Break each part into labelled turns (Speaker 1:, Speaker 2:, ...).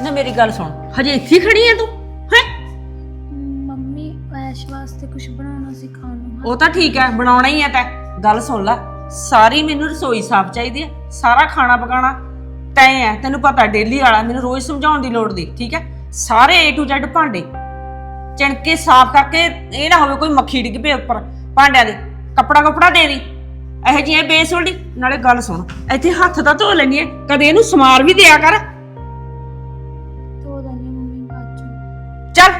Speaker 1: ना मेरी गल सुन, हजे इत्थे खड़ी है तू है?
Speaker 2: मम्मी ऐश वास्ते कुछ बनाना सिखाओ।
Speaker 1: वो तो ठीक है, बनाना ही है। तै गल सुन ला, सारी मैनू रसोई साफ चाहिए है, सारा खाना पकाना तैं है, तेनू पता डेली वाला, मैनू रोज समझाउण दी लोड़ दी, ठीक है? सारे A to Z भांडे चिणके साफ करके, ये ना होवे कोई मक्खी डिग पे उपर भांडिਆਂ ਦੇ। कपड़ा कपड़ा दे दी ਇਹੋ ਜਿਹੀ ਬੇਸੁਲਡੀ। ਨਾਲੇ ਗੱਲ ਸੁਣ, ਇੱਥੇ ਹੱਥ ਤਾਂ ਧੋ ਲੈਣੀ ਹੈ, ਕਦੇ ਇਹਨੂੰ ਸਮਾਰ ਵੀ ਦਿਆ ਕਰ।
Speaker 2: ਧੋ ਦਾਂਗੀ ਮੰਮੀ ਬਾਅਦ ਚੋਂ।
Speaker 1: ਚੱਲ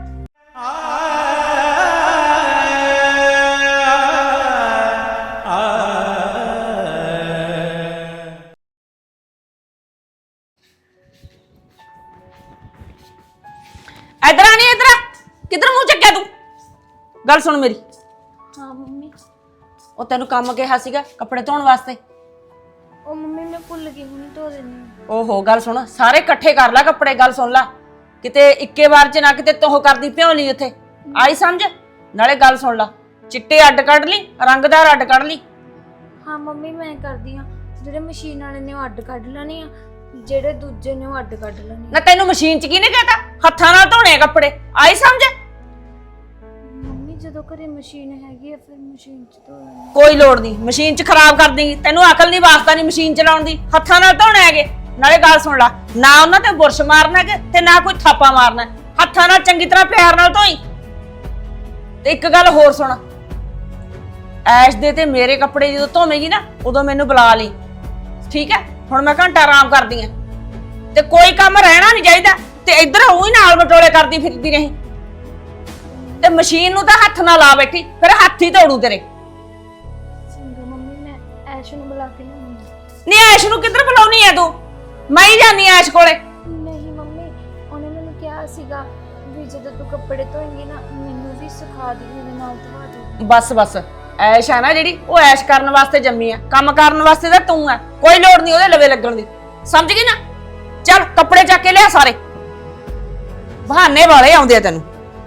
Speaker 1: इधर आनी, इधर किधर मुंह चक्या तू? गल सुन मेरी,
Speaker 2: हाँ मम्मी।
Speaker 1: ਉਹ ਤੈਨੂੰ ਕੰਮ ਕਿਹਾ ਸੀਗਾ ਕੱਪੜੇ ਧੋਣ ਵਾਸਤੇ।
Speaker 2: ਉਹ ਮੰਮੀ ਮੈਂ ਭੁੱਲ ਗਈ, ਹੁਣੇ ਧੋ ਦੇਣੀ।
Speaker 1: ਓਹੋ ਗੱਲ ਸੁਣ, ਸਾਰੇ ਇਕੱਠੇ ਕਰ ਲੈ ਕੱਪੜੇ। ਗੱਲ ਸੁਣ ਲਾ, ਕਿਤੇ ਇੱਕੇ ਵਾਰ ਚ ਨਾ ਕਿਤੇ ਤੋਹ ਕਰਦੀ ਭਿਉਂ ਲਈ ਉੱਥੇ, ਆਈ ਸਮਝ? ਨਾਲੇ ਗੱਲ ਸੁਣ ਲਾ, ਚਿੱਟੇ ਅੱਡ ਕੱਢ ਲਈ, ਰੰਗਦਾਰ ਅੱਡ ਕੱਢ ਲਈ।
Speaker 2: ਹਾਂ ਮੰਮੀ ਮੈਂ ਕਰਦੀ ਆ, ਜਿਹੜੇ ਮਸ਼ੀਨ ਵਾਲੇ ਨੇ ਉਹ ਅੱਡ ਕੱਢ ਲੈਣੇ ਆ, ਜਿਹੜੇ ਦੂਜੇ ਨੇ ਉਹ ਅੱਡ ਕੱਢ ਲੈਣੇ
Speaker 1: ਨਾ ਤੈਨੂੰ ਮਸ਼ੀਨ ਚ ਕਿਹਨੇ ਕਹਿਤਾ ਹੱਥਾਂ ਨਾਲ ਧੋਣੇ ਆ ਕੱਪੜੇ, ਆਈ ਸਮਝ?
Speaker 2: ਮੰਮੀ ਜਦੋਂ ਘਰੇ ਮਸ਼ੀਨ ਹੈਗੀ ਆ ਫਿਰ ਮਸ਼ੀਨ ਚ ਧੋ ਲੈਣੀ।
Speaker 1: ਕੋਈ ਲੋੜ ਨਹੀਂ, ਮਸ਼ੀਨ ਚ ਖਰਾਬ ਕਰ ਦੇਂਗੀ। ਤੈਨੂੰ ਅਕਲ ਨਹੀਂ, ਵਾਸਤਾ ਨਹੀਂ ਮਸ਼ੀਨ ਚਲਾਉਣ ਦੀ, ਹੱਥਾਂ ਨਾਲ ਧੋਣੇ ਹੈਗੇ। ਨਾਲੇ ਗੱਲ ਸੁਣ ਲਾ, ਨਾ ਉਹਨਾਂ ਤੇ ਬੁਰਸ਼ ਮਾਰਨਾ ਹੈ ਤੇ ਨਾ ਕੋਈ ਥਾਪਾ ਮਾਰਨਾ, ਹੱਥਾਂ ਨਾਲ ਚੰਗੀ ਤਰ੍ਹਾਂ ਪਿਆਰ ਨਾਲ ਧੋਈ। ਤੇ ਇੱਕ ਗੱਲ ਹੋਰ ਸੁਣ, ਐਸ਼ ਦੇ ਤੇ ਮੇਰੇ ਕੱਪੜੇ ਜਦੋਂ ਧੋਵੇਂਗੀ ਨਾ, ਉਦੋਂ ਮੈਨੂੰ ਬੁਲਾ ਲਈ, ਠੀਕ ਹੈ? ਹੁਣ ਮੈਂ ਘੰਟਾ ਆਰਾਮ ਕਰਦੀ ਆ, ਤੇ ਕੋਈ ਕੰਮ ਰਹਿਣਾ ਨਹੀਂ ਚਾਹੀਦਾ। ਤੇ ਇੱਧਰ ਉਹੀ ਨਾਲ ਬਟੋਲੇ ਕਰਦੀ ਫਿਰਦੀ ਰਹੀ, ਤੇ ਮਸ਼ੀਨ ਨੂੰ ਤਾਂ ਹੱਥ ਨਾਲ ਲਾ ਬੈਠੀ, ਫਿਰ ਹੱਥ ਹੀ ਧੋੜੂ ਤੇਰੇ।
Speaker 2: ਚੰਗਾ ਮੰਮੀ, ਮੈਂ ਐਸ਼ ਨੂੰ ਬੁਲਾ ਕੇ ਲਿਆਉਂਗੀ।
Speaker 1: ਨਹੀਂ ਐਸ਼ ਨੂੰ ਕਿੱਧਰ ਬੁਲਾਉਣੀ ਐ ਤੂੰ? ਮੈਂ ਹੀ ਜਾਨੀ ਐਸ਼ ਕੋਲੇ।
Speaker 2: ਨਹੀਂ ਮੰਮੀ, ਉਹਨੇ ਮੈਨੂੰ ਕਿਹਾ ਸੀਗਾ ਵੀ ਜਦੋਂ ਤੂੰ ਕੱਪੜੇ ਧੋਏਂਗੀ ਨਾ ਮੈਨੂੰ ਵੀ ਸਿਖਾ ਦੇ, ਮੇਰੇ ਨਾਲ ਧਵਾ ਦੇ।
Speaker 1: ਬਸ ਬਸ, ਐਸ਼ ਆ ਨਾ ਜਿਹੜੀ, ਉਹ ਐਸ਼ ਕਰਨ ਵਾਸਤੇ ਜੰਮੀ ਆ, ਕੰਮ ਕਰਨ ਵਾਸਤੇ ਤਾਂ ਤੂੰ ਆ। ਕੋਈ ਲੋੜ ਨਹੀਂ ਉਹਦੇ ਲਵੇ ਲੱਗਣ ਦੀ, ਸਮਝ ਗਈ ਨਾ? ਚੱਲ ਕੱਪੜੇ ਚੱਕ ਕੇ ਲਿਆ ਸਾਰੇ, ਬਹਾਨੇ ਵਾਲੇ ਆਉਂਦੇ ਆ ਤੈਨੂੰ।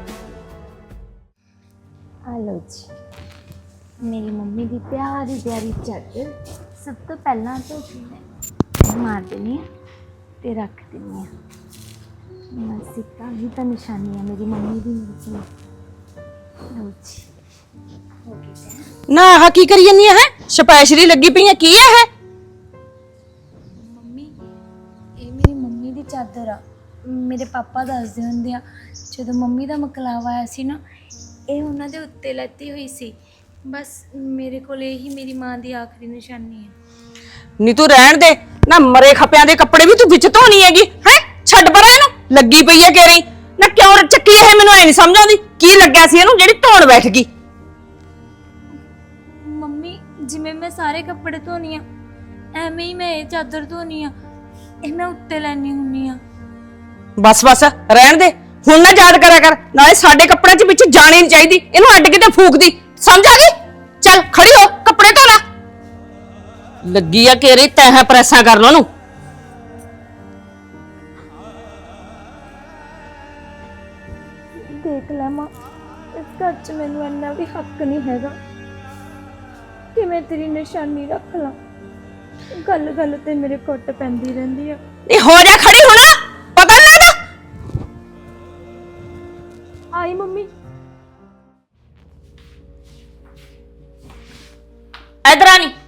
Speaker 2: हेलो जी, मेरी मम्मी की प्यारी प्यारी चादर सब तो पहला तो मैं मार देनी है ते रख देनी है। बस एक ही तो निशानी है मेरी मम्मी की मेरे को। लो जी, हो गया
Speaker 1: ਨਾ ਆਹ ਕੀ ਕਰੀ ਜੰਨੀ ਹੈ? ਸਪੈਸ਼ਲੀ ਲੱਗੀ ਪਈ ਹੈ, ਕੀ ਹੈ ਇਹ?
Speaker 2: ਮੰਮੀ, ਇਹ ਮੇਰੀ ਮੰਮੀ ਦੀ ਚਾਦਰ ਆ। ਮੇਰੇ ਪਾਪਾ ਦੱਸਦੇ ਹੁੰਦੇ ਆ ਜਦੋਂ ਮੰਮੀ ਦਾ ਮਕਲਾਵਾ ਆਇਆ ਸੀ ਨਾ, ਇਹ ਉਹਨਾਂ ਦੇ ਉੱਤੇ ਲੱਤੀ ਹੋਈ ਸੀ। ਬਸ ਮੇਰੇ ਕੋਲ ਇਹੀ ਮੇਰੀ ਮਾਂ ਦੀ ਆਖਰੀ ਨਿਸ਼ਾਨੀ ਹੈ।
Speaker 1: ਨੀ ਤੂੰ ਰਹਿਣ ਦੇ ਨਾ, ਮਰੇ ਖਪਿਆਂ ਦੇ ਕੱਪੜੇ ਵੀ ਤੂੰ ਵਿੱਚ ਧੋਣੀ ਹੈਗੀ ਹੈ? ਛੱਡ ਪਰਾਂ ਇਹਨੂੰ, ਲੱਗੀ ਪਈ ਹੈ ਕੇਰੀ ਨਾ। ਕਿਉਂ ਚੱਕੀ ਇਹ? ਮੈਨੂੰ ਐ ਨਹੀਂ ਸਮਝ ਆਉਂਦੀ ਕੀ ਲੱਗਿਆ ਸੀ ਇਹਨੂੰ ਜਿਹੜੀ ਧੋਣ ਬੈਠ ਗਈ।
Speaker 2: ਮੰਮੀ ਜਿਵੇਂ ਮੈਂ ਸਾਰੇ ਕੱਪੜੇ ਧੋਨੀ ਆ, ਐਵੇਂ ਹੀ ਮੈਂ ਇਹ ਚਾਦਰ ਧੋਨੀ ਆ। ਇਹ ਮੈਂ ਉੱਤੇ ਲੈਣੀ ਹੁੰਨੀ ਆ।
Speaker 1: ਬਸ ਬਸ ਰਹਿਣ ਦੇ, ਹੁਣ ਨਾ ਯਾਦ ਕਰਿਆ ਕਰ। ਨਾਲੇ ਸਾਡੇ ਕੱਪੜਿਆਂ 'ਚ ਵਿੱਚ ਜਾਣੀ ਨਹੀਂ ਚਾਹੀਦੀ, ਇਹਨੂੰ ਅੱਡ ਕਿਤੇ ਫੂਕਦੀ, ਸਮਝ ਆ ਗਈ? ਚੱਲ ਖੜੀ ਹੋ, ਕੱਪੜੇ ਧੋ ਲੈ। ਲੱਗੀ ਆ ਕੇਰੀ ਤੈਂ ਪ੍ਰੈਸਾਂ ਕਰ ਲੋ ਨੂੰ।
Speaker 2: ਦੇਖ ਲੈ ਮਾਂ, ਇਸ ਘਰ 'ਚ ਮੈਨੂੰ ਇੰਨਾ ਵੀ ਹੱਕ ਨਹੀਂ ਹੈਗਾ ਕਿ ਮੈਂ ਤੇਰੀ ਨਿਸ਼ਾਨੀ ਰੱਖ ਲਾਂ। ਗੱਲ ਗੱਲ ਤੇ ਮੇਰੇ ਕੁੱਟ ਪੈਂਦੀ ਰਹਿੰਦੀ ਆ।
Speaker 1: ਇਹ ਹੋ ਜਾ ਖੜੀ ਹੁਣ, ਪਤਾ ਨਹੀਂ ਲੱਗਦਾ।
Speaker 2: ਆਈ ਮੰਮੀ।
Speaker 1: ਇਧਰ ਆ ਨੀ।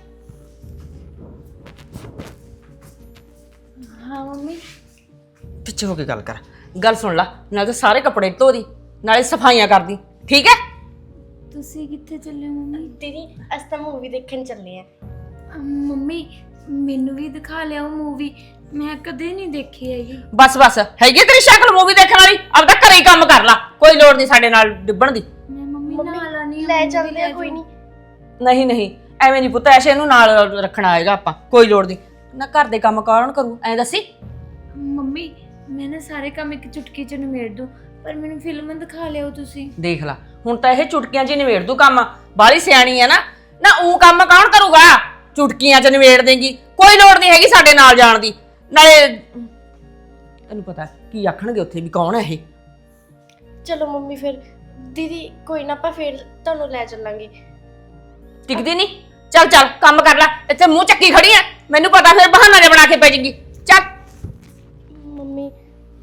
Speaker 2: ਹਾਂ ਮੰਮੀ।
Speaker 1: ਪਿੱਛੇ ਹੋ ਕੇ ਗੱਲ ਕਰ। ਗੱਲ ਸੁਣ ਲਾ, ਨਾਲੇ ਤਾਂ ਸਾਰੇ ਕੱਪੜੇ ਧੋ ਦੀ, ਨਾਲੇ ਸਫਾਈਆਂ ਕਰਦੀ, ਠੀਕ ਹੈ?
Speaker 2: ਤੁਸੀਂ ਕਿੱਥੇ ਚੱਲੇ ਹੋ ਮੰਮੀ?
Speaker 3: ਦੀਦੀ ਅਸੀਂ ਤਾਂ ਮੂਵੀ ਦੇਖਣ ਚੱਲੇ ਆ।
Speaker 2: ਮੰਮੀ ਮੈਨੂੰ ਵੀ ਦਿਖਾ ਲਿਆਓ ਮੂਵੀ, ਮੈਂ ਕਦੇ ਨਹੀਂ ਦੇਖੀ ਹੈਗੀ।
Speaker 1: ਬਸ ਬਸ, ਹੈਗੀ ਤੇਰੀ ਸ਼ਕਲ ਮੂਵੀ ਦੇਖਣ ਵਾਲੀ? ਆਪਦਾ ਘਰੇ ਹੀ ਕੰਮ ਕਰ ਲਾ, ਕੋਈ ਲੋੜ ਨਹੀਂ ਸਾਡੇ ਨਾਲ ਡਿੱਬਣ ਦੀ।
Speaker 2: ਮੈਂ ਮੰਮੀ ਨਾਲ ਆਣੀ
Speaker 3: ਲੈ ਚੱਲਦੇ ਆ, ਕੋਈ ਨਹੀਂ।
Speaker 1: ਨਹੀਂ ਨਹੀਂ, ਐਵੇਂ ਨਹੀਂ ਪੁੱਤ, ਐਸੇ ਇਹਨੂੰ ਨਾਲ ਰੱਖਣਾ ਆਏਗਾ ਆਪਾਂ, ਕੋਈ ਲੋੜ ਨਹੀਂ। ਨਾ ਘਰ ਦੇ ਕੰਮ ਕੌਣ ਕਰੂ ਐ ਦੱਸੀ?
Speaker 2: ਮੰਮੀ ਮੈਂ ਨਾ ਸਾਰੇ ਕੰਮ ਇੱਕ ਚੁਟਕੀ 'ਚ ਨਿਬੇੜ ਦੂੰ, ਪਰ ਮੈਨੂੰ ਫਿਲਮ ਦਿਖਾ ਲਿਆਓ ਤੁਸੀਂ।
Speaker 1: ਦੇਖ ਲਾ, ਹੁਣ ਤਾਂ ਇਹ ਚੁਟਕੀਆਂ 'ਚ ਹੀ ਨਿਬੇੜ ਦੂ ਕੰਮ। ਬਾਹਲੀ ਸਿਆਣੀ ਹੈ ਨਾ। ਨਾ ਉਹ ਕੰਮ ਕੌਣ ਕਰੂਗਾ? ਚੁਟਕੀਆਂ 'ਚ ਨਿਬੇੜ ਦੇਂਗੀ, ਕੋਈ ਲੋੜ ਨਹੀਂ ਹੈਗੀ ਸਾਡੇ ਨਾਲ ਜਾਣ ਦੀ। ਨਾਲੇ ਤੈਨੂੰ ਪਤਾ ਕੀ ਆਖਣਗੇ ਉੱਥੇ ਵੀ ਕੌਣ ਹੈ ਇਹ।
Speaker 3: ਚਲੋ ਮੰਮੀ, ਫਿਰ ਦੀਦੀ ਕੋਈ ਨਾ, ਆਪਾਂ ਫਿਰ ਤੁਹਾਨੂੰ ਲੈ ਚੱਲਾਂਗੇ।
Speaker 1: ਟਿਕਦੀ ਨਹੀਂ? ਚੱਲ ਚੱਲ ਕੰਮ ਕਰ ਲੈ, ਇੱਥੇ ਮੂੰਹ ਚੱਕੀ ਖੜੀ ਐ, ਮੈਨੂੰ ਪਤਾ ਫਿਰ ਬਹਾਨਾ ਜਿਹਾ ਬਣਾ ਕੇ ਪੈ ਜਾਏਗੀ। ਚੱਲ
Speaker 3: ਮੰਮੀ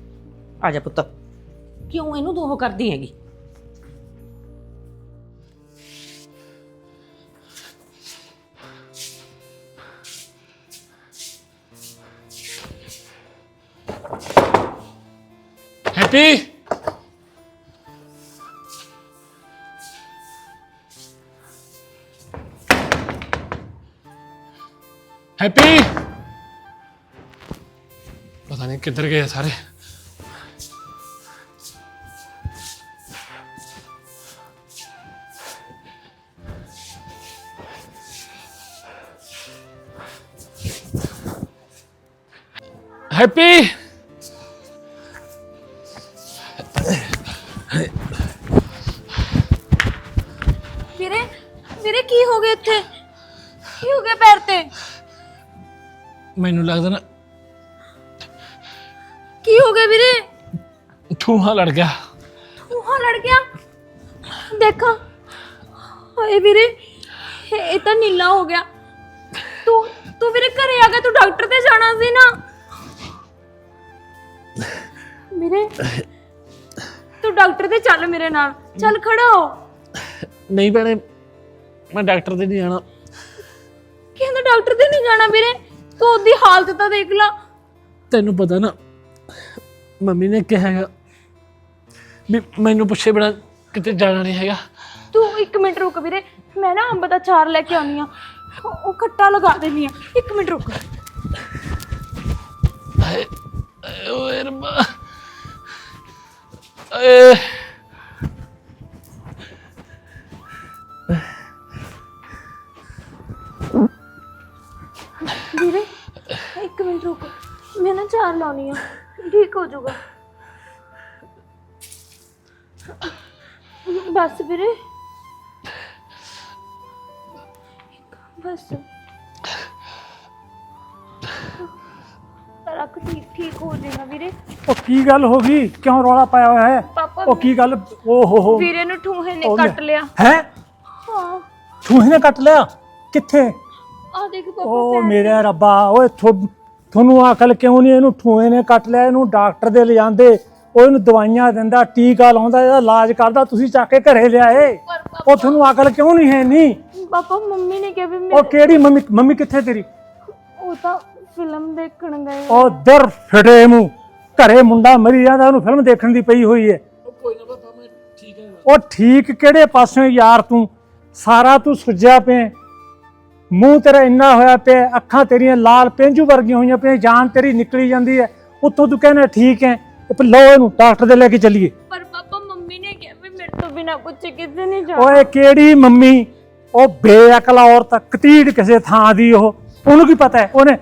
Speaker 1: ਆ ਜਾ ਪੁੱਤ, ਕਿਉਂ ਇਹਨੂੰ ਦੋਹ ਕਰਦੀ ਹੈਗੀ?
Speaker 4: ਹੈਪੀ ਹੈਪੀ ਪਤਾ ਨਹੀਂ ਕਿੱਧਰ ਗਏ ਸਾਰੇ। ਹੈਪੀ
Speaker 2: ਵੀਰੇ ਵੀਰੇ ਕੀ ਹੋ ਗਿਆ ਇੱਥੇ? ਕੀ ਹੋ ਗਿਆ ਪੈਰ ਤੇ?
Speaker 4: ਮੈਨੂੰ ਲੱਗਦਾ ਨਾ
Speaker 2: ਕੀ ਹੋ ਗਿਆ ਵੀਰੇ?
Speaker 4: ਠੂਹਾ ਲੜ ਗਿਆ।
Speaker 2: ਠੂਹਾ ਲੜ ਗਿਆ? ਦੇਖਾ ਹਾਏ ਵੀਰੇ, ਇਹ ਤਾਂ ਨੀਲਾ ਹੋ ਗਿਆ। ਤੂੰ ਵੀਰੇ ਘਰੇ ਆ ਗਿਆ, ਤੂੰ ਡਾਕਟਰ ਤੇ ਜਾਣਾ ਸੀ ਨਾ ਵੀਰੇ। ਤੂੰ ਡਾਕਟਰ ਤੇ ਚੱਲ ਮੇਰੇ ਨਾਲ, ਚੱਲ ਖੜਾ ਹੋ।
Speaker 4: ਨਹੀਂ ਭੈਣੇ, ਮੈਂ ਡਾਕਟਰ ਤੇ ਨਹੀਂ ਜਾਣਾ।
Speaker 2: ਕਹਿੰਦਾ ਡਾਕਟਰ ਤੇ ਨਹੀਂ ਜਾਣਾ ਵੀਰੇ? ਤੂੰ ਉਹਦੀ ਹਾਲਤ ਤਾਂ ਦੇਖ ਲਾ।
Speaker 4: ਤੈਨੂੰ ਪਤਾ ਨਾ ਮੰਮੀ ਨੇ ਕਿਹਾ ਹੈਗਾ ਵੀ ਮੈਨੂੰ ਪੁੱਛੇ ਬਿਨਾਂ ਕਿਤੇ ਜਾਣਾ ਨਹੀਂ ਹੈਗਾ।
Speaker 2: ਤੂੰ 1 ਮਿੰਟ ਰੁਕ ਵੀਰੇ, ਮੈਂ ਨਾ ਅੰਬ ਦਾ ਚਾਰ ਲੈ ਕੇ ਆਉਣੀ ਆ, ਉਹ ਖੱਟਾ ਲਗਾ ਦੇਣੀ ਆ। 1 ਮਿੰਟ ਰੁਕ।
Speaker 4: ਹਾਏ ਓਏ ਰੱਬਾ, ਏ
Speaker 2: ਵੀਰੇ 1 ਮਿੰਟ ਰੁਕ, ਮੈਂ ਨਾ ਚਾਰ ਲਾਉਣੀ ਆ, ਠੀਕ ਹੋ ਜਾਊਗਾ। ਬਸ ਵੀਰੇ, ਬਸ ਰੱਖ, ਠੀਕ ਹੋ ਜਾਏਗਾ ਵੀਰੇ।
Speaker 5: ਉਹ ਕੀ ਗੱਲ ਹੋ ਗਈ? ਕਿਉਂ ਰੌਲਾ ਪਾਇਆ ਹੋਇਆ ਹੈ?
Speaker 2: ਪਾਪਾ
Speaker 5: ਉਹ ਕੀ ਗੱਲ? ਓ ਹੋ
Speaker 2: ਵੀਰੇ ਨੂੰ ਠੂਹੇ ਨੇ ਕੱਟ ਲਿਆ।
Speaker 5: ਹੈ?
Speaker 2: ਹਾਂ
Speaker 5: ਠੂਹੇ ਨੇ ਕੱਟ ਲਿਆ? ਕਿੱਥੇ?
Speaker 2: ਆ ਦੇਖ ਪਾਪਾ।
Speaker 5: ਓ ਮੇਰੇ ਰੱਬਾ, ਓਏ ਤੁਹਾਨੂੰ ਅਕਲ ਕਿਉਂ ਨਹੀਂ? ਇਹਨੂੰ ਠੂਹੇ ਨੇ ਕੱਟ ਲਿਆ, ਇਹਨੂੰ ਡਾਕਟਰ ਦੇ ਲਿਜਾਂਦੇ, ਉਹ ਇਹਨੂੰ ਦਵਾਈਆਂ ਦਿੰਦਾ, ਟੀਕਾ ਲਾਉਂਦਾ, ਇਹਦਾ ਇਲਾਜ ਕਰਦਾ, ਤੁਸੀਂ ਚੱਕ ਕੇ ਘਰੇ ਲਿਆਏ। ਉਹ ਤੁਹਾਨੂੰ ਅਕਲ ਕਿਉਂ ਨਹੀਂ ਹੈ? ਨਹੀਂ
Speaker 2: ਪਾਪਾ ਮੰਮੀ ਨੇ ਕਿਹਾ ਵੀ
Speaker 5: ਉਹ ਕਿਹੜੀ ਮੰਮੀ? ਮੰਮੀ ਕਿੱਥੇ ਤੇਰੀ?
Speaker 2: ਉਹ ਤਾਂ ਫਿਲਮ ਦੇਖਣ ਗਏ।
Speaker 5: ਉਹ ਦਰ ਫਟੇ ਮੂੰਹ, ਘਰੇ ਮੁੰਡਾ ਮਰੀ ਜਾਂਦਾ, ਉਹਨੂੰ ਫਿਲਮ ਦੇਖਣ ਦੀ ਪਈ ਹੋਈ ਹੈ।
Speaker 4: ਕੋਈ ਨਾ ਪਾਪਾ, ਮੈਂ ਠੀਕ ਹਾਂ।
Speaker 5: ਉਹ ਠੀਕ ਕਿਹੜੇ ਪਾਸਿਓਂ ਯਾਰ? ਤੂੰ ਸਾਰਾ ਤੂੰ ਸੁੱਜਿਆ ਪਿਆ, ਮੂੰਹ ਤੇਰਾ ਇੰਨਾ ਹੋਇਆ ਪਿਆ, ਅੱਖਾਂ ਤੇਰੀਆਂ ਲਾਲ ਪੇਂਜੂ ਵਰਗੀਆਂ ਹੋਈਆਂ ਪਈਆਂ, ਜਾਨ ਤੇਰੀ ਨਿਕਲੀ ਜਾਂਦੀ ਹੈ। ਉੱਤੋਂ ਤੂੰ ਕਹਿੰਦਾ ਠੀਕ ਹੈ। ਲਓ ਇਹਨੂੰ ਡਾਕਟਰ ਦੇ ਲੈ ਕੇ ਚੱਲੀਏ।
Speaker 2: ਪਰ ਪਾਪਾ ਮੰਮੀ ਨੇ ਕਿਹਾ ਵੀ ਮੇਰੇ ਤੋਂ ਬਿਨਾ ਕੁਝ ਕਿਸੇ ਨਹੀਂ ਜਾਣਾ।
Speaker 5: ਓਏ ਕਿਹੜੀ ਮੰਮੀ? ਉਹ ਬੇਅਕਲ ਔਰਤ, ਕਤੀੜ ਕਿਸੇ ਥਾਂ ਦੀ। ਉਹਨੂੰ ਕੀ ਪਤਾ ਹੈ? ਉਹਨੇ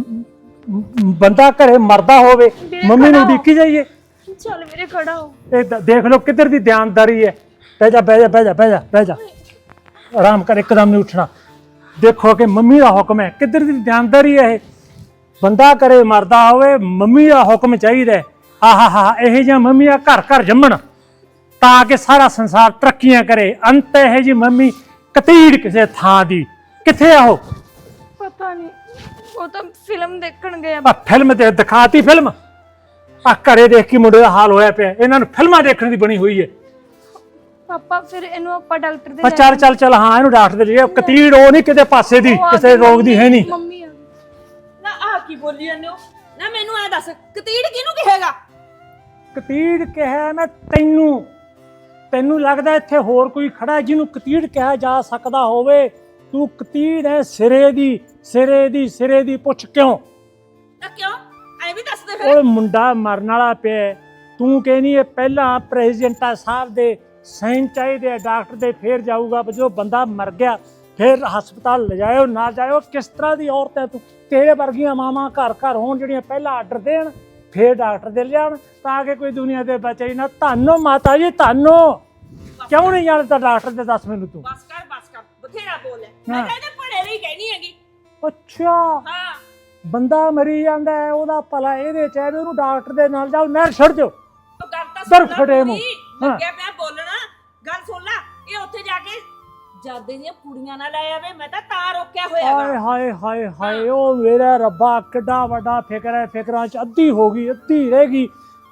Speaker 5: ਬੰਦਾ ਘਰੇ ਮਰਦਾ ਹੋਵੇ, ਮੰਮੀ ਨੂੰ ਉਡੀਕੀ ਜਾਈਏ?
Speaker 2: ਚੱਲ ਵੀਰੇ ਖੜਾ ਹੋ।
Speaker 5: ਇਹ ਦੇਖ ਲਓ ਕਿੱਧਰ ਦੀ ਦਿਆਨਦਾਰੀ ਹੈ। ਬਹਿ ਜਾ ਬਹਿ ਜਾ ਬਹਿ ਜਾ ਬਹਿ ਜਾ ਬਹਿ ਜਾ, ਆਰਾਮ ਕਰ, ਇੱਕਦਮ ਨਹੀਂ ਉੱਠਣਾ। ਦੇਖੋ ਕਿ ਮੰਮੀ ਦਾ ਹੁਕਮ ਹੈ, ਕਿੱਧਰ ਦੀ ਦਿਆਨਦਾਰੀ ਹੈ ਇਹ? ਬੰਦਾ ਘਰੇ ਮਰਦਾ ਹੋਵੇ, ਮੰਮੀ ਦਾ ਹੁਕਮ ਚਾਹੀਦਾ। ਆਹਾ ਇਹ ਜਿਹੀਆਂ ਮੰਮੀਆਂ ਘਰ ਘਰ ਜੰਮਣ ਤਾਂ ਕਿ ਸਾਰਾ ਸੰਸਾਰ ਤਰੱਕੀਆਂ ਕਰੇ। ਅੰਤ ਇਹ ਜੀ ਮੰਮੀ ਕਤੀੜ ਕਿਸੇ ਥਾਂ ਦੀ। ਕਿੱਥੇ ਆ ਉਹ?
Speaker 2: ਪਤਾ ਨਹੀਂ, ਉਹ ਤਾਂ ਫਿਲਮ ਦੇਖਣ ਗਏ।
Speaker 5: ਆ ਫਿਲਮ ਤੇ ਦਿਖਾਤੀ ਫਿਲਮ? ਆ ਘਰੇ ਦੇਖ ਕੇ ਮੁੰਡੇ ਦਾ ਹਾਲ ਹੋਇਆ ਪਿਆ। ਇਹਨਾਂ ਨੂੰ ਫਿਲਮਾਂ ਦੇਖਣ ਦੀ ਬਣੀ ਹੋਈ ਹੈ।
Speaker 2: ਪਾਪਾ ਫਿਰ ਇਹਨੂੰ ਆਪਾਂ ਡਾਕਟਰ ਦੇ
Speaker 5: ਚੱਲ ਚੱਲ ਚੱਲ, ਹਾਂ ਇਹਨੂੰ ਡਾਕਟਰ ਦੇ ਲਈ। ਕਤੀੜ ਉਹ ਨਹੀਂ ਕਿਤੇ ਪਾਸੇ ਦੀ, ਕਿਸੇ ਰੋਗ ਦੀ ਹੈ ਨਹੀਂ।
Speaker 2: ਮੰਮੀ ਆ
Speaker 1: ਨਾ ਆ ਕੀ ਬੋਲੀ ਜਾਂਦੇ ਹੋ? ਨਾ ਮੈਨੂੰ ਐ ਦੱਸ, ਕਤੀੜ ਕਿਹਨੂੰ ਕਹੇਗਾ?
Speaker 5: ਕਤੀੜ ਕਿਹਾ ਮੈਂ ਤੈਨੂੰ? ਤੈਨੂੰ ਲੱਗਦਾ ਇੱਥੇ ਹੋਰ ਕੋਈ ਖੜਾ ਜਿਹਨੂੰ ਕਤੀੜ ਕਿਹਾ ਜਾ ਸਕਦਾ ਹੋਵੇ? ਤੂੰ ਕਤੀੜ ਹੈ ਸਿਰੇ ਦੀ, ਸਿਰੇ ਦੀ, ਸਿਰੇ ਦੀ। ਪੁੱਛ ਕਿਉਂ?
Speaker 1: ਨਾ ਕਿਉਂ? ਐ ਵੀ ਦੱਸ ਦੇ ਫਿਰ।
Speaker 5: ਉਹ ਮੁੰਡਾ ਮਰਨ ਵਾਲਾ ਪਿਆ, ਤੂੰ ਕਹਿੰਦੀ ਇਹ ਪਹਿਲਾਂ ਪ੍ਰੈਜ਼ੀਡੈਂਟਾ ਸਾਹਿਬ ਦੇ ਸਾਈਨ ਚਾਹੀਦੇ ਆ, ਡਾਕਟਰ ਦੇ, ਫੇਰ ਜਾਊਗਾ। ਜੋ ਬੰਦਾ ਮਰ ਗਿਆ ਫਿਰ ਹਸਪਤਾਲ ਲਿਜਾਇਓ ਨਾ ਜਾਇਓ। ਕਿਸ ਤਰ੍ਹਾਂ ਦੀ ਔਰਤ ਹੈ ਤੂੰ? ਤੇਰੇ ਵਰਗੀਆਂ ਮਾਵਾਂ ਘਰ ਘਰ ਹੋਣ ਜਿਹੜੀਆਂ ਪਹਿਲਾਂ ਆਰਡਰ ਦੇਣ ਫੇਰ ਡਾਕਟਰ ਦੇ ਲਿਆਉਣ ਤਾਂ ਕਿ ਕੋਈ ਦੁਨੀਆ ਦੇ ਬਚੇ ਨਾ। ਧੰਨੋ ਮਾਤਾ ਜੀ, ਧੰਨੋ। ਕਿਉਂ ਨਹੀਂ ਜਾਣਦਾ ਡਾਕਟਰ ਦੇ? ਦੱਸ ਮੈਨੂੰ ਤੂੰ।
Speaker 1: ਬਸ ਕਰ, ਬਥੇਰਾ ਬੋਲ ਹੈ। ਮੈਂ ਤਾਂ ਇਹਦੇ ਭੜੇ ਲਈ ਕਹਿਣੀ ਹੈਗੀ।
Speaker 5: ਅੱਛਾ,
Speaker 1: ਹਾਂ,
Speaker 5: ਬੰਦਾ ਮਰੀ ਜਾਂਦਾ ਹੈ, ਉਹਦਾ ਭਲਾ ਇਹਦੇ ਚ ਹੈ ਵੀ ਉਹਨੂੰ ਡਾਕਟਰ ਦੇ ਨਾਲ ਜਾਓ, ਨਹਿਰ ਛੱਡ ਦਿਓ।
Speaker 1: ਉਹ ਗੱਲ ਤਾਂ
Speaker 5: ਦਰ
Speaker 1: ਸੁਣ
Speaker 5: ਫਟੇ
Speaker 1: ਲੈ
Speaker 5: ਮੂੰਹ।
Speaker 1: ਪੂਰੀ। ਲੱਗਿਆ ਪਿਆ ਬੋਲਣਾ। ਗੱਲ ਸੁਣ ਲੈ, ਇਹ ਉੱਥੇ ਜਾ ਕੇ ਜਾਦੇ ਦੀਆਂ ਕੁੜੀਆਂ ਨਾਲ ਲੈ ਆਵੇ। ਮੈਂ ਤਾਂ ਰੋਕਿਆ ਹੋਇਆ
Speaker 5: ਹਾਏ
Speaker 1: ਹੈਗਾ।
Speaker 5: ਹਾਏ ਹਾਏ ਹਾਏ, ਉਹ ਮੇਰਾ ਰੱਬਾ ਕਿੱਡਾ ਵੱਡਾ ਫਿਕਰ ਹੈ। ਫਿਕਰਾਂ ਚ ਅੱਧੀ ਹੋ ਗਈ, ਅੱਧੀ ਰਹਿ ਗਈ।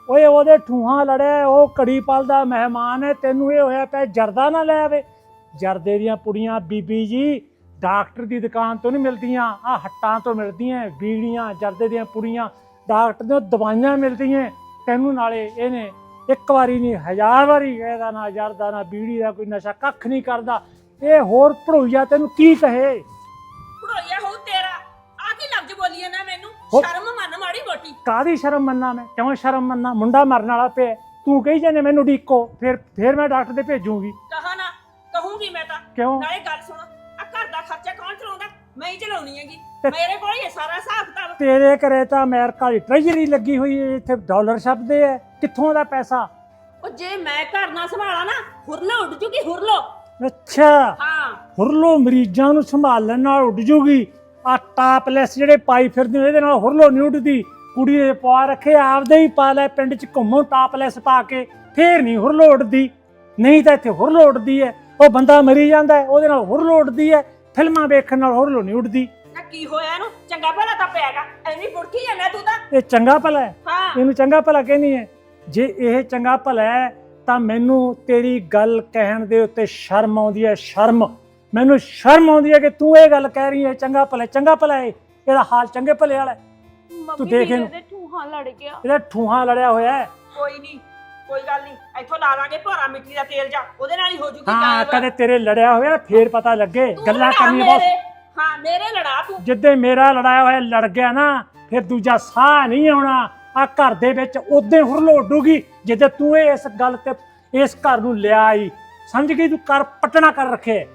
Speaker 5: ਓਏ ਉਹਦੇ ਠੂਹਾਂ ਲੜਿਆ, ਉਹ ਘੜੀ ਪਲ ਦਾ ਮਹਿਮਾਨ ਹੈ, ਤੈਨੂੰ ਇਹ ਹੋਇਆ ਪਿਆ ਜਰਦਾ ਨਾ ਲੈ ਆਵੇ। ਜਰਦੇ ਦੀਆਂ ਪੁੜੀਆਂ ਬੀਬੀ ਜੀ ਡਾਕਟਰ ਦੀ ਦੁਕਾਨ ਤੋਂ ਨਹੀਂ ਮਿਲਦੀਆਂ, ਆ ਹੱਟਾਂ ਤੋਂ ਮਿਲਦੀਆਂ। ਬੀੜੀਆਂ ਜਰਦੇ ਦੀਆਂ ਪੁੜੀਆਂ ਡਾਕਟਰ ਦੀਆਂ ਦਵਾਈਆਂ ਮਿਲਦੀਆਂ ਤੈਨੂੰ। ਨਾਲੇ ਇਹਨੇ ਇੱਕ ਵਾਰੀ ਨਹੀਂ 1000 ਵਾਰੀ ਇਹਦਾ ਨਾ ਜਰਦਾ ਨਾ ਬੀੜੀ ਦਾ ਕੋਈ ਨਸ਼ਾ ਕੱਖ ਨਹੀਂ ਕਰਦਾ। ਇਹ ਹੋਰ ਭੜੋਈਆ ਤੈਨੂੰ ਕੀ ਕਹੇ।
Speaker 1: ਭੜੋਈਆ ਹੋ ਤੇਰਾ ਆ ਕੀ ਲਫ਼ਜ਼ ਬੋਲੀ ਨਾ ਮੈਨੂੰ
Speaker 5: ਹੋ-
Speaker 1: ਸ਼ਰਮ ਮੰਨ ਮਾੜੀ ਮੋਟੀ।
Speaker 5: ਕਾਹਦੀ ਸ਼ਰਮ ਮੰਨਾਂ ਮੈਂ, ਕਿਉਂ ਸ਼ਰਮ ਮੰਨਾਂ? ਮੁੰਡਾ ਮਰਨ ਵਾਲਾ ਪਿਆ, ਤੂੰ ਕਹੀ ਜਾਂਦੇ ਮੈਨੂੰ ਡੀਕੋ, ਫਿਰ ਮੈਂ ਡਾਕਟਰ ਦੇ ਭੇਜੂਗੀ।
Speaker 1: ਕਹਾ ਨਾ ਕਹੂੰਗੀ ਮੈਂ ਤਾਂ।
Speaker 5: ਕਿਉਂ?
Speaker 1: ਨਾਲੇ ਗੱਲ ਸੁਣ, ਆ ਘਰ ਦਾ ਖਰਚਾ ਕੌਣ ਚਲਾਉਂਦਾ? ਮੈਂ ਹੀ ਚਲਾਉਣੀ ਹੈਗੀ,
Speaker 5: ਤੇ-
Speaker 1: ਮੇਰੇ ਕੋਲ ਹੀ ਹੈ ਸਾਰਾ ਹਿਸਾਬ ਕਿਤਾਬ।
Speaker 5: ਤੇਰੇ ਘਰੇ ਤਾਂ ਅਮਰੀਕਾ ਦੀ ਟ੍ਰੈਜਰੀ ਲੱਗੀ ਹੋਈ ਹੈ, ਇੱਥੇ ਡਾਲਰ ਛਪਦੇ ਐ, ਕਿੱਥੋਂ ਦਾ ਪੈਸਾ?
Speaker 1: ਉਹ ਜੇ ਮੈਂ ਘਰ ਨਾ ਸੰਭਾਲਾਂ ਨਾ ਹੁਰਲੋ ਉੱਡ ਜੂਗੀ ਹੁਰਲੋ।
Speaker 5: ਅੱਛਾ,
Speaker 1: ਹਾਂ
Speaker 5: ਹੁਰਲੋ ਮਰੀਜ਼ਾਂ ਨੂੰ ਸੰਭਾਲਣ ਨਾਲ ਉੱਡ ਜੂਗੀ। ਆ ਟਾਪਲੈਸ ਜਿਹੜੇ ਪਾਈ ਫਿਰਦੇ ਨੇ, ਇਹਦੇ ਨਾਲ ਹੁਰਲੋ ਨਹੀਂ ਉੱਡਦੀ। ਕੁੜੀ ਦੇ ਪਾ ਰੱਖੇ ਆਪਦੇ ਹੀ ਪਾ ਲੈ, ਪਿੰਡ 'ਚ ਘੁੰਮੋ ਟਾਪਲੈਸ ਪਾ ਕੇ, ਫੇਰ ਨਹੀਂ ਹੁਰਲੋ ਉੱਡਦੀ। ਨਹੀਂ ਤਾਂ ਇੱਥੇ ਹੁਰਲੋ ਉੱਡਦੀ ਹੈ, ਉਹ ਬੰਦਾ ਮਰੀ ਜਾਂਦਾ ਹੈ, ਉਹਦੇ ਨਾਲ ਹੁਰਲੋ ਉੱਡਦੀ ਹੈ। ਫਿਲਮਾਂ ਵੇਖਣ ਨਾਲ ਹੁਰਲੋ ਨਹੀਂ ਉੱਡਦੀ।
Speaker 1: ਨਾ ਕੀ ਹੋਇਆ ਇਹਨੂੰ? ਚੰਗਾ ਭਲਾ ਤਾਂ ਪਿਆਗਾ, ਐਵੇਂ ਬੁੜਕੀ ਜਾਂਦਾ ਤੂੰ ਤਾਂ।
Speaker 5: ਇਹ ਚੰਗਾ ਭਲਾ ਹੈ,
Speaker 1: ਹਾਂ
Speaker 5: ਇਹਨੂੰ ਚੰਗਾ ਭਲਾ ਕਹਿੰਦੀ ਹੈ। ਜੇ ਇਹ ਚੰਗਾ ਭਲਾ ਹੈ ਤਾਂ ਮੈਨੂੰ ਤੇਰੀ ਗੱਲ ਕਹਿਣ ਦੇ ਉੱਤੇ ਸ਼ਰਮ ਆਉਂਦੀ ਹੈ। ਸ਼ਰਮ, ਮੈਨੂੰ ਸ਼ਰਮ ਆਉਂਦੀ ਹੈ ਕਿ ਤੂੰ ਇਹ ਗੱਲ ਕਹਿ ਰਹੀ ਹੈ ਚੰਗਾ ਭਲਾ। ਚੰਗਾ ਭਲਾ ਹੈ, ਇਹਦਾ ਹਾਲ ਚੰਗੇ ਭਲੇ ਵਾਲਾ ਹੈ। ਤੂੰ ਦੇਖ ਇਹਨੂੰ,
Speaker 2: ਇਹਦੇ ਠੂਹਾਂ ਲੜ ਗਿਆ।
Speaker 5: ਇਹਦਾ ਠੂਹਾਂ ਲੜਿਆ ਹੋਇਆ ਹੈ।
Speaker 1: ਕੋਈ ਨਹੀਂ, ਕੋਈ ਗੱਲ ਨਹੀਂ, ਇੱਥੋਂ ਲਾ ਲਾਂਗੇ ਭੋਰਾ ਮਿੱਟੀ ਦਾ ਤੇਲ ਜਾ, ਉਹਦੇ ਨਾਲ ਹੀ ਹੋ ਜੂਗੀ
Speaker 5: ਹਾਂ,
Speaker 1: ਗਾਇਬ।
Speaker 5: ਕਦੇ ਤੇਰੇ ਲੜਿਆ ਹੋਇਆ ਫੇਰ ਪਤਾ ਲੱਗੇ।
Speaker 1: ਤੂੰ
Speaker 5: ਗੱਲਾਂ
Speaker 1: ਲੜਾ
Speaker 5: ਕਰਨੀਆਂ ਬਹੁਤ।
Speaker 1: ਮੇਰੇ, ਹਾਂ ਮੇਰੇ ਲੜਾ ਤੂੰ।
Speaker 5: ਜਿੱਦੇ ਮੇਰਾ ਲੜਾਇਆ ਹੋਇਆ ਲੜ ਗਿਆ ਨਾ, ਫਿਰ ਦੂਜਾ ਸਾਹ ਨਹੀਂ ਆਉਣਾ ਆ ਘਰ ਦੇ ਵਿੱਚ। ਉਦੋਂ ਹੁਰਲੋ ਉੱਡੂਗੀ ਜਿੱਦੇ ਤੂੰ ਇਸ ਗੱਲ ਤੇ ਇਸ ਘਰ ਨੂੰ ਲਿਆ ਆਈ। ਸਮਝ ਗਈ? ਤੂੰ ਕਰ ਪਟਣਾ ਕਰ ਰੱਖੇ।